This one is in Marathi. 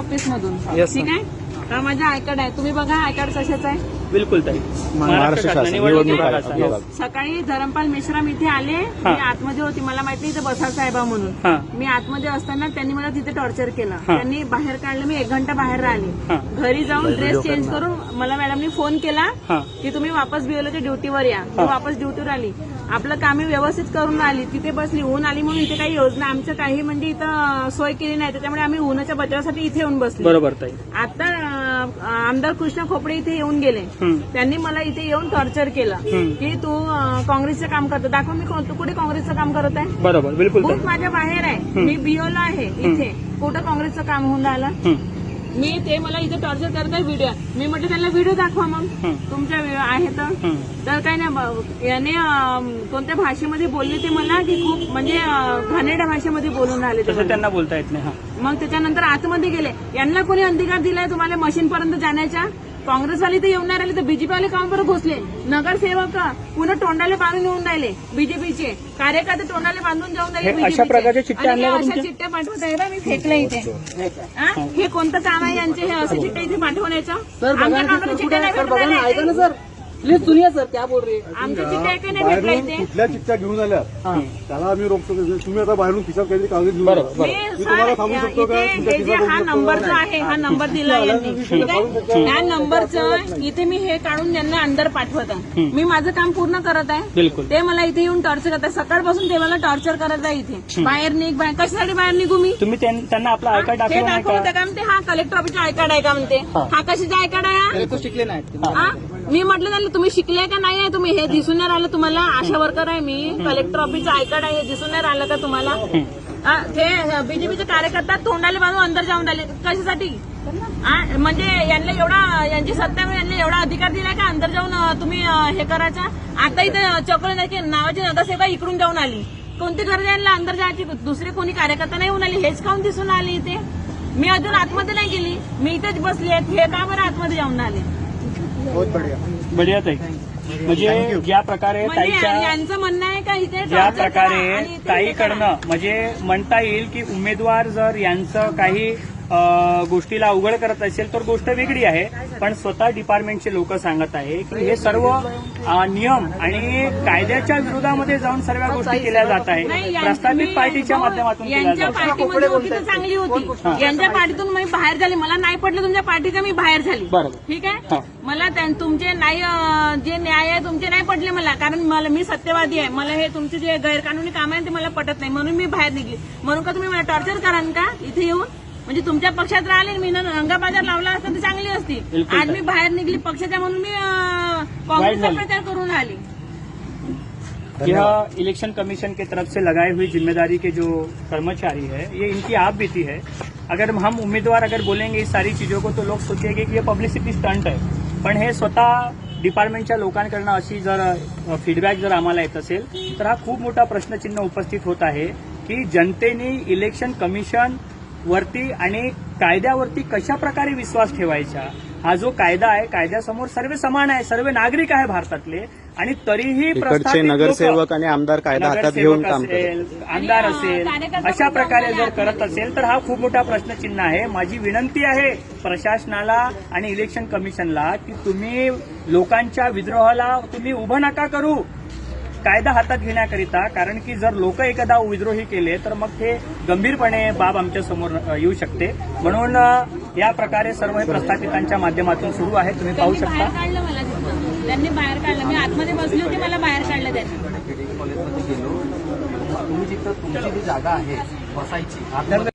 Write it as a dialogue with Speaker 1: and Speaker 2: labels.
Speaker 1: ऑफिस मधून.
Speaker 2: Yes,
Speaker 1: ठीक आहे. हा माझा आय कार्ड आहे. तुम्ही बघा आय कार्ड कशाचं आहे.
Speaker 2: बिलकुल ताई.
Speaker 3: महाराष्ट्र शासन निवडणूक आयोग.
Speaker 1: सकाळी धरमपाल मेश्राम इथे आले. मी आतमध्ये होती. मला माहिती इथे बसा साहेबा म्हणून. मी आतमध्ये असताना त्यांनी मला तिथे टॉर्चर केलं. त्यांनी बाहेर काढलं. मी 1 घंटा बाहेर राहिले. घरी जाऊन ड्रेस चेंज करून मला मॅडमनी फोन केला की तुम्ही वापस बीओलच्या ड्युटीवर या. मी वापस ड्युटीवर आली. आपलं कामे व्यवस्थित करून आली. तिथे बसली. ऊन आली म्हणून इथे काही योजना आमच्या काही म्हणजे इथं सोय केली नाही. त्याच्यामुळे आम्ही उन्हाच्या बचावासाठी इथे येऊन बसलो.
Speaker 2: बरोबर ताई.
Speaker 1: आता आमदार कृष्णा खोपडे इथे येऊन गेले. त्यांनी मला इथे येऊन टॉर्चर केलं की तू काँग्रेसचं काम करतो. दाखव मी कुठे काँग्रेसचं काम करत आहे.
Speaker 2: बरोबर. बिलकुल
Speaker 1: बूथ माझ्या बाहेर आहे. मी बीओला आहे इथे. कुठं काँग्रेसचं काम होऊन राहिलं. मी ते मला इथे टॉर्चर करत आहे. व्हिडिओ मी म्हटलं त्यांना व्हिडिओ दाखवा मग तुमच्या आहे तर काही नाही. याने कोणत्या भाषेमध्ये बोलले ते मला की खूप म्हणजे घाणेरड्या भाषेमध्ये बोलून राहिले.
Speaker 2: तसं त्यांना बोलता येत नाही.
Speaker 1: मग त्याच्यानंतर आतमध्ये गेले. यांना कोणी अधिकार दिलाय तुम्हाला मशीन पर्यंत जाण्याच्या. काँग्रेसवाले तर येऊन नाही राहिले तर बीजेपीवाले काम बरं घुसले. नगरसेवक पुन्हा तोंडाले बांधून येऊन राहिले. बीजेपीचे कार्यकर्ते तोंडाले बांधून जाऊन राहिले.
Speaker 2: अशा प्रकारच्या चिठ्ठ्या आणल्या
Speaker 1: अशा चिठ्ठ्या पाठवत आहे. मी फेकलं इथे. हे कोणतं काम आहे यांचे हे असे चिठ्ठ्या इथे पाठवण्याचं. आमच्या कामाला चिठ्ठ्या नाही भेटत आहे.
Speaker 4: प्लीज सुनिए सर क्या बोल रहे हैं.
Speaker 1: आमच्या चिठ्ठ्या काही नाही भेटल्या इथे.
Speaker 5: कुठल्या चिठ्ठ्या घेऊन आल्या त्याला आम्ही रोखतो. तुम्ही आता बाहेरून खिशात काहीतरी कागद घेऊन
Speaker 1: मी
Speaker 5: तुम्हाला थांबू शकतो का.
Speaker 1: हे जे हा नंबर जो आहे हा नंबर दिला यांनी. ठीक आहे. त्या नंबरचं इथे मी हे काढून त्यांना अंदर पाठवत आहे. मी माझं काम पूर्ण करत आहे.
Speaker 2: बिलकुल.
Speaker 1: ते मला इथे येऊन टॉर्चर करत आहे. सकाळपासून ते मला टॉर्चर करत आहे इथे. बाहेर निघ बाहेर. कशासाठी बाहेर निघू मी.
Speaker 2: तुम्ही त्यांना आपला आय कार्ड
Speaker 1: हे
Speaker 2: दाखवलं नाही
Speaker 1: दाखवलं
Speaker 2: का.
Speaker 1: का म्हणते. हा कलेक्टर ऑफिसचा आय कार्ड आहे का म्हणते. हा कशाचा आय कार्ड आहे.
Speaker 4: तो शिकले नाही.
Speaker 1: हा मी म्हटलं त्यांना तुम्ही शिकले का नाही आहे तुम्ही. हे दिसून नाही राहिलं तुम्हाला. आशा वर्कर आहे मी. कलेक्टर ऑफिसचं आय कार्ड आहे. हे दिसून नाही राहिलं का तुम्हाला. ते बीजेपीचे कार्यकर्ता तोंडाले बांधून अंदर जाऊन राहिले. कशासाठी. म्हणजे यांना एवढा यांची सत्ता यांना एवढा अधिकार दिलाय का अंदर जाऊन तुम्ही हे करायचा. आता इथे चक्र नावाची नगरसेवक इकडून जाऊन आली. कोणती गरज आहे यांना अंदर जायची. दुसरे कोणी कार्यकर्ता नाही होऊन आली. हेच काऊन दिसून आले इथे. मी अजून आतमध्ये नाही गेली. मी इथेच बसली आहे. हे का बरं आतमध्ये जाऊन आले.
Speaker 2: बढिया ताई. म्हणजे ज्या प्रकारे ताईच्या
Speaker 1: यांचं म्हणणं आहे का इथे
Speaker 2: ज्या प्रकारे ताईकडनं म्हणजे म्हणता येईल की उमेदवार जर यांचं काही गोष्टीला अवघड करत असेल तर गोष्ट वेगळी आहे. पण स्वतः डिपार्टमेंटचे लोक सांगत आहे की हे सर्व नियम आणि कायद्याच्या विरोधामध्ये जाऊन सर्व गोष्टी केल्या जात आहे. प्रस्थापित पार्टीच्या माध्यमातून केल्या जात आहे.
Speaker 1: पार्टीमध्ये होती तर चांगली होती. यांच्या पार्टीतून मी बाहेर झाली. मला नाही पडलं तुमच्या पार्टीचं मी बाहेर झाली. ठीक आहे. मला तुमचे नाही जे न्याय आहे तुमचे नाही पडले मला. कारण मी सत्यवादी आहे. मला हे तुमचे जे गैरकानूनी काम आहे ते मला पटत नाही. म्हणून मी बाहेर निघली. म्हणून का तुम्ही मला टॉर्चर कराल का इथे येऊन. म्हणजे तुमच्या पक्षात राहिले मी रंगाबाजार लावला असता तर चांगली असती. आज मी बाहेर निघली पक्षाच्या म्हणून मी कांग्रेसचा प्रचार करून आली.
Speaker 2: यह इलेक्शन कमीशन की तरफ से लगाई हुई जिम्मेदारी के जो कर्मचारी है ये इनकी आप बीती है. अगर हम उम्मीदवार अगर बोलेंगे इस सारी चीजों को तो लोग सोचेंगे की ये पब्लिसिटी स्टंट है. पण हे स्वतः डिपार्टमेंटच्या लोकांकडनं अशी जर फीडबॅक जर आम्हाला येत असेल तर हा खूप मोठा प्रश्नचिन्ह उपस्थित होत आहे की जनतेने इलेक्शन कमिशन वरती आणि कायद्यावरती कशा प्रकारे विश्वास ठेवायचा. हा जो कायदा आहे कायद्यासमोर सर्व समान आहे. सर्व नागरिक आहे भारतातले आणि तरीही
Speaker 3: इकडचे नगरसेवक आणि आमदार कायदा हातात घेऊन काम
Speaker 2: करतात. आमदार असेल अशा प्रकारे जर करत असेल तर हा खूप मोठा प्रश्नचिन्ह आहे. माझी विनंती आहे प्रशासनाला आणि इलेक्शन कमिशनला की तुम्ही लोकांच्या विद्रोहाला तुम्ही उभं नका करू कायदा हातात घेण्याकरिता. कारण की जर लोक एकदा विद्रोही केले तर मग ते गंभीरपणे बाब आमच्या समोर येऊ शकते. म्हणून या प्रकारे सर्व हे प्रस्थापितांच्या माध्यमातून सुरू आहे. तुम्ही पाहू शकता.
Speaker 1: बाहेर काढलं मला तिथं. त्यांनी बाहेर काढलं. मी आतमध्ये बसली होती. मला बाहेर काढलं त्यांनी.
Speaker 4: तुम्ही जिथं तुमची जी जागा आहे बसायची